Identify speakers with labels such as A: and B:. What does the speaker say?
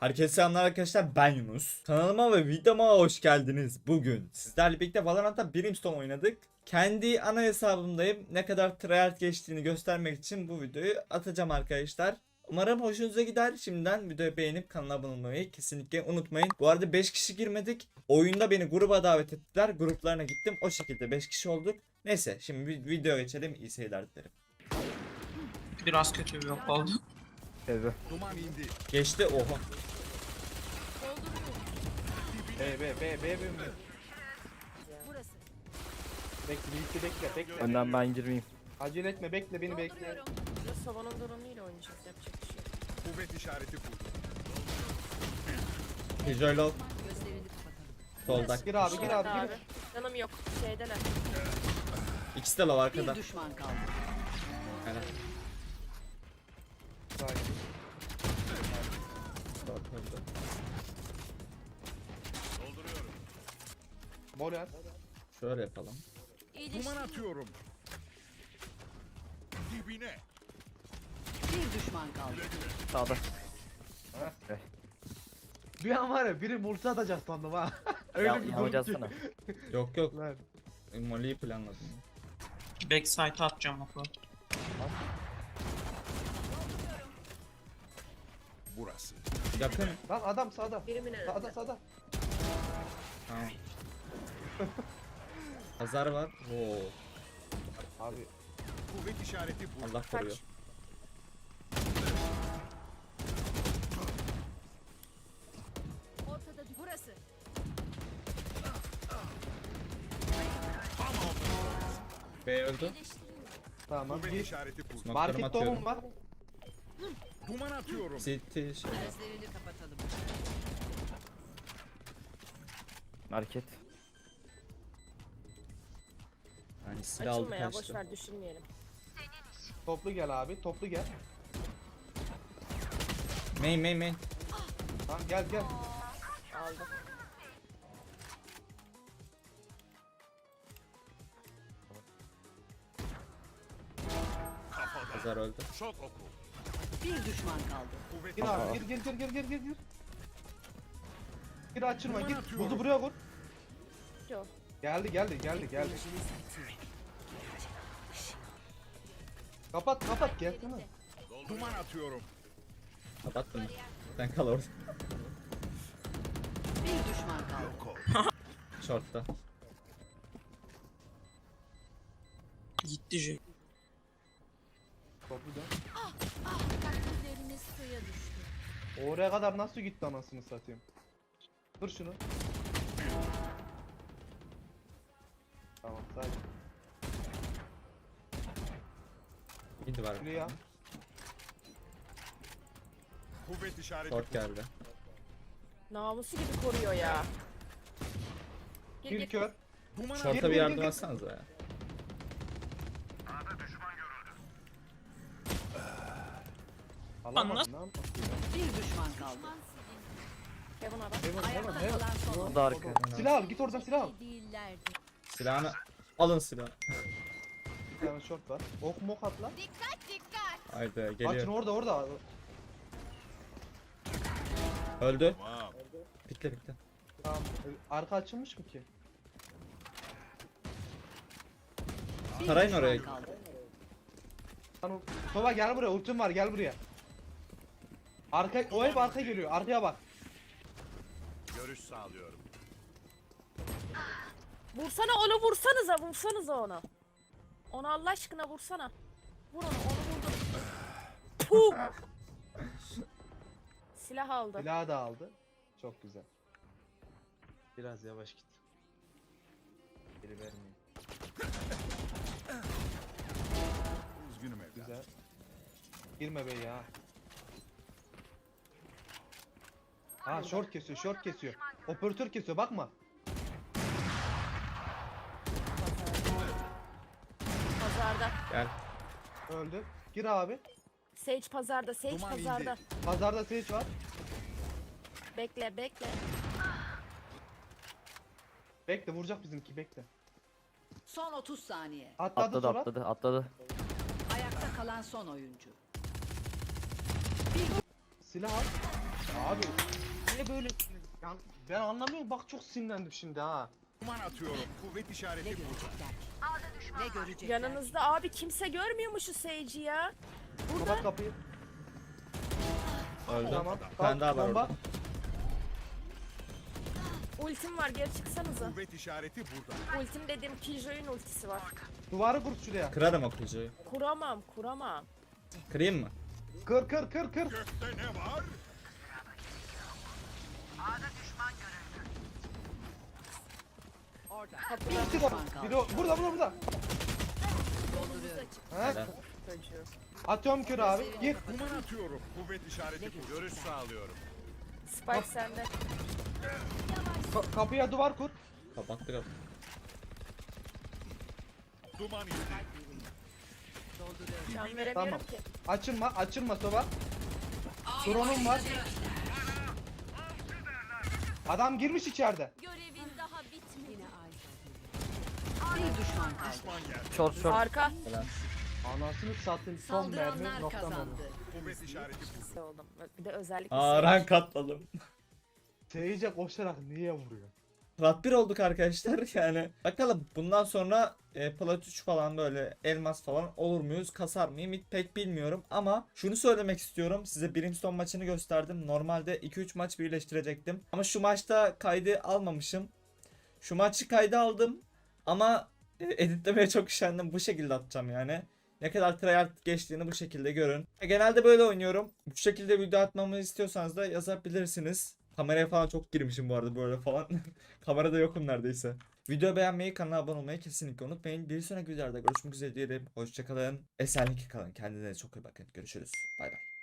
A: Herkese selamlar arkadaşlar, ben Yunus. Kanalıma ve videoma hoş geldiniz. Bugün sizlerle birlikte Valorant'ta Brimstone oynadık. Kendi ana hesabımdayım. Ne kadar tryhard geçtiğini göstermek için bu videoyu atacağım arkadaşlar. Umarım hoşunuza gider. Şimdiden videoyu beğenip kanala abone olmayı kesinlikle unutmayın. Bu arada 5 kişi girmedik. Oyunda beni gruba davet ettiler. Gruplarına gittim. O şekilde 5 kişi olduk. Neyse, şimdi videoya geçelim. İyi seyirler dilerim.
B: Biraz kötü bir yok oldu.
C: Evet.
D: Duman indi.
A: Geçti, oha.
C: B.
E: Burası.
C: Bekle.
F: Önden ben girmeyeyim.
C: Acele etme, bekle beni bekle.
E: Dolduruyorum. Biraz havanın durumuyla oynayacağız. Yapacak bir şey yok.
D: Kuvvet işareti kurdu.
A: Visual
E: Gözlerini kapatalım.
A: solda.
C: Gir abi, gir abi,
E: Abi.
C: gir.
E: Canım yok. Şeydeler.
A: İkisi de lav arkada.
E: Bir düşman kaldı.
A: Helal.
C: Sakin. Moral.
A: Şöyle yapalım.
D: Duman atıyorum. Dibine.
E: Bir düşman kaldı.
F: Sağda.
C: Bir an var ya, biri multi atacak sandım ha. Öyle
F: Ya,
C: bir
F: yağmacı
C: durum ki.
F: atsana.
A: Yok yok.
C: Lan.
A: Molly'yi planladım.
B: Backside'a atacağım oku.
D: Burası.
A: Yakın.
C: Lan adam sağda.
E: Birimin önünde.
C: Sağda.
A: Tamam. Pazar var. Oo.
C: Abi
D: Kuvvet işareti kurdu.
A: Allah koruyor.
E: Ortada burası.
A: B öldü.
C: tamam.
D: Kuvvet
C: Gir.
D: işareti kurdu.
A: Smoke'larımı
C: Markette
A: atıyorum.
C: onun var.
D: Duman atıyorum.
A: City şey.
E: Gözlerini kapatalım.
F: Market.
A: Yani silah aldı
E: Açılma ya.
A: kaçtı.
E: Boşver düşünmeyelim.
C: Toplu gel abi, toplu gel.
A: Main.
C: Tamam gel.
E: Aldım.
A: Pazar öldü.
D: Şok oku.
E: Bir düşman kaldı.
D: Kuvvet
C: Gir abi, gir. Gir açılma,
D: Duman
C: git.
D: atıyorum.
C: Buzu buraya koy.
E: Yok.
C: Geldi. Kapat, gelsene.
D: Duman atıyorum.
A: Kapattım. Sen kal orada.
E: Bir düşman kaldı.
A: Short'ta.
B: Gitti J.
C: Toplu dön.
E: Kalpleriniz suya düştü.
C: Oraya kadar nasıl gitti anasını satayım. Dur şunu. Tamam sakin.
A: Mid var.
C: Şunu ya.
D: Kuvvet işareti
A: Short
D: kurdu.
A: geldi.
E: Namusu gibi koruyor ya.
C: Bir kör.
D: Duman
A: Short'a bir
C: gir.
A: yardım atsanıza ya.
C: Alamadın lan.
E: Bir düşman kaldı. Kevin adam.
C: Hemen.
E: Kalan son.
F: Bu da arka.
C: Silah al, git oradan silah al.
E: Değillerdi.
A: Silahını alın silahı.
C: Bir tane short var. Ok mok at lan.
A: Haydi
C: Açın
A: geliyor.
C: orada.
A: Öldü.
D: Tamam.
A: Pikle.
C: Tamam. Arka açılmış mı ki?
A: Tarayın oraya.
E: Kaldı.
C: Lan Sova gel buraya, ultim var, gel buraya. O hep arka geliyor, arkaya bak.
D: Görüş sağlıyorum.
E: Vursana vursanıza onu. Onu Allah aşkına vursana. Vur onu vurdum. Puh. Silah aldı.
C: Silahı da aldı. Çok güzel. Biraz yavaş git. Geri vermeyin.
D: Üzgünüm evlat.
C: Güzel. Girme be ya. Ha short kesiyor. Operatör kesiyor, bakma.
E: Pazarda.
A: Gel.
C: Öldü. Gir abi.
E: Sage pazarda. Sage
D: Duman
E: pazarda.
D: indi.
C: Pazarda Sage var.
E: Bekle.
C: Bekle, vuracak bizimki, bekle.
G: Son 30 saniye.
C: Atladı sonra.
F: Atladı.
G: Ayakta kalan son oyuncu.
C: Silah al. Abi niye böyle? Yani ben anlamıyorum, bak çok sinirlendim şimdi ha.
D: Duman atıyorum. Kuvvet
G: Ne
D: işareti burada.
G: görecekler? Ne görecekler?
E: Yanınızda abi kimse görmüyor mu şu Sage'i ya? Burada.
C: Kapat kapıyı.
A: Öldü.
C: Tamam.
A: Bir tane daha var
C: Bomba.
A: orada.
E: Ultim var, geri çıksanıza.
D: Kuvvet işareti burada.
E: Ultim dediğim Killjoy'un ultisi var.
C: Duvarı kur şuraya.
A: Kırarım o kılıcı.
E: Kuramam.
A: Kırayım mı?
C: Kır.
D: Gökte ne var?
G: Orada.
E: Kapıda
C: Çık o- Biri burada.
G: Dolduruyorum.
C: Ha?
A: Helal.
E: çocuğu.
C: Atıyorum kür abi. Gir.
D: Duman atıyorum. Kuvvet işareti burada. Görüş sağlıyorum.
E: Spike sende.
C: Kapıya duvar kur.
A: Kapattık kapı.
D: Duman indi.
G: Dolduruyorum.
E: Can veremiyorum
C: Tamam.
E: ki.
C: Açılma soba. Drone'um var. Adam girmiş içeride.
E: Görevin daha bitmedi.
G: Yine ay. Bir düşman kaldı.
D: Düşman geldi.
F: Short short.
E: Arka.
C: Anasını satayım, son mermi
G: Saldıranlar
C: nokta
G: kazandı.
D: Kuvvet işareti burada.
E: Pis oldum. Bir de özellikle
A: Aa rank atladım.
C: Seyirce koşarak niye vuruyor?
A: Plat 1 olduk arkadaşlar yani. Bakalım bundan sonra plat 3 falan böyle elmas falan olur muyuz? Kasar mıyım? Hiç pek bilmiyorum ama şunu söylemek istiyorum. Size Brimstone maçını gösterdim. Normalde 2-3 maç birleştirecektim. Ama şu maçta kaydı almamışım. Şu maçı kayda aldım ama editlemeye çok üşendim. Bu şekilde atacağım yani. Ne kadar tryhard geçtiğini bu şekilde görün. Genelde böyle oynuyorum. Bu şekilde video atmamı istiyorsanız da yazabilirsiniz. Kameraya falan çok girmişim bu arada böyle falan. Kamerada yokum neredeyse. Video beğenmeyi, kanala abone olmayı kesinlikle unutmayın. Bir sonraki videolarda görüşmek üzere diyelim. Hoşçakalın. Esenlikle kalın. Kendinize çok iyi bakın. Görüşürüz. Bay bay.